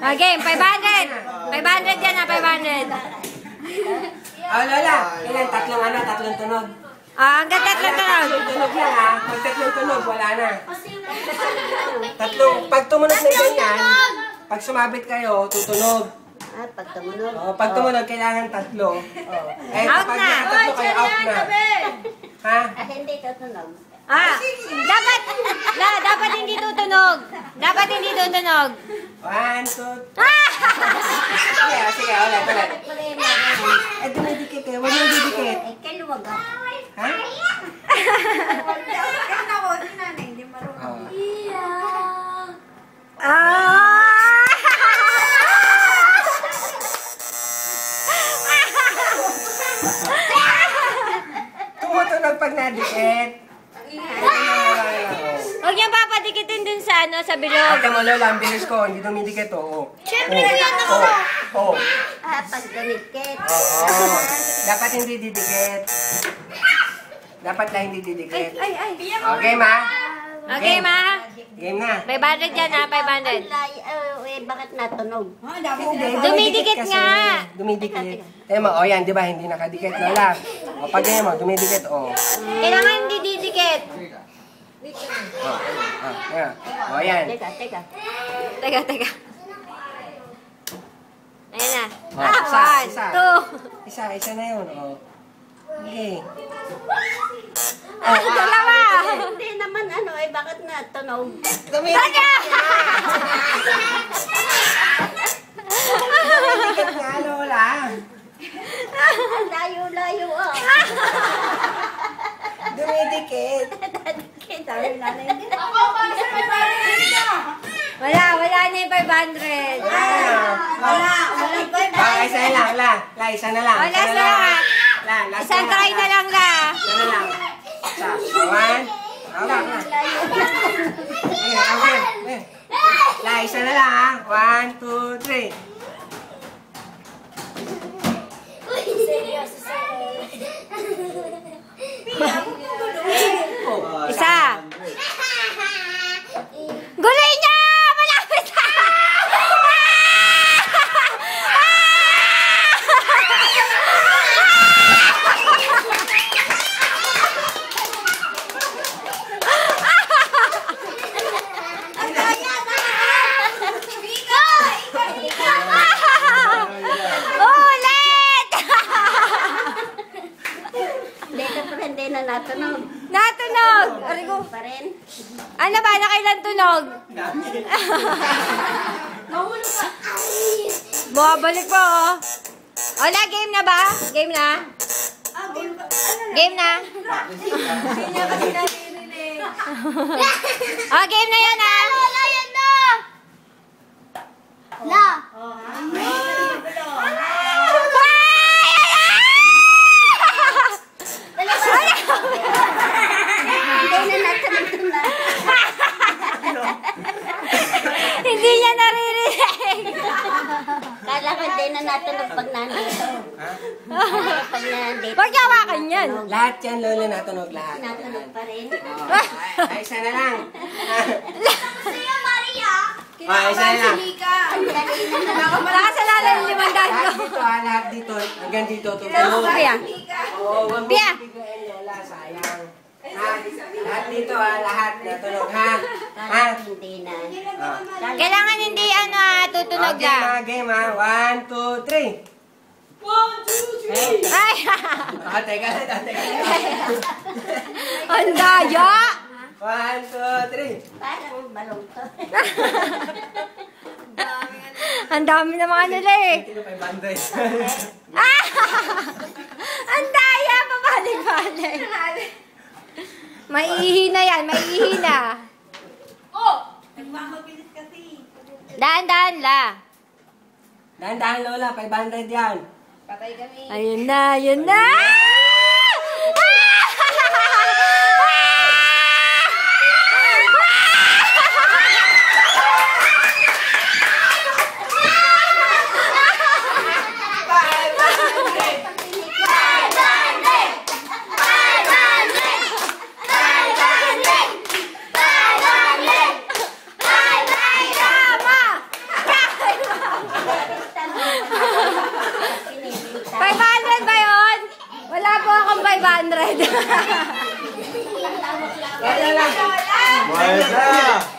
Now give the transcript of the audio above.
Okay, 500. 500 yan na, 500. Oh, Lola. Ilan? Tatlong tunog. Hanggang tatlong tunog. Tunog lang ha. Pag tatlong tunog, wala na. Pag tumunog na ganyan, pag sumabit kayo, tutunog. Pag tumunog. Pag tumunog, kailangan tatlo. Out na. Tatlo kayo, out na. Ha? Hindi tutunog. Dapat hindi tutunog. Dapat hindi tutunog. 1, 2, 3. Sige, ulit. Dumidikit eh. Huwag yung didikit. Kaluwag ako. Ha? Hindi marunong. Tumutunog pag nadikit. Huwag niyang papadikitin dun sa sa bilog. Ate mo, Lola, ang bilis ko. Hindi dumidikit, oo. Siyempre, yan ako. Oo. Pag dumikit. Oo. Dapat hindi didikit. Dapat lang hindi didikit. Okay, ma? Okay, ma? Game na. 500 yan ha, 500. Bakit natunog? Dumidikit nga. Dumidikit. Tayo mo, o yan, di ba? Hindi nakadikit, Lola. O, pag ganyan mo, dumidikit, o. Kailangan hindi didikit. O, yan. Teka. Teka. Ayan na. Isa. 1, 2. Isa na yun, o. Okay. Dalawa. Hindi naman bakit natunog? Dumidikit nga, Lola. Ang layo-layo Dumidikit. Wala na yung 500. Isa na lang, La. Isa na lang. Wala sa lahat. Isang try na lang, La. Isa na lang. Isa. 1. Okay. La, isa na lang ha. 1, 2, 3. Isa. Gulay niya! Malapit na! Hindi na natunog. Natunog! Arigo. Pa rin. Ano ba? Nakailan tunog? Bumabalik po, oh. Wala, game na ba? Game na? Game na? Oh, game na yan, ah. Wala, yan na. La. Hindi niya naririnig. Kala ko hindi na natunog pag nandito. Pag nandito. Huwag niya hawakan yan. Lahat yan, Lola, natunog lahat. Natunog pa rin. Ay, isa na lang. Siya, Maria! Isa na lang. Nakasalanan yung 500 ko. Lahat dito, hanggang dito, tutulog. Pia. Oo, wag mo Pia. bigyan, Lola, sayang. Lahat dito, lahat natunog, ha? Hindi na. Kailangan hindi tutunog Okay, na. mga game, ha? 1, 2, 3. 1, 2, 3. Ay! Teka. Ang daya! 1, 2, 3. Parang balong to. Ang dami na mga nila eh. Tino 500. Ah! Ang daya! Pabalik-balik. Maihina yan, maihina. Nagmamabilis kasi. Dahan-dahan la. Dahan-dahan, Lola, 500 yan. Patay kami. Ayun na, ayun na! 500. Wala lang. Wala.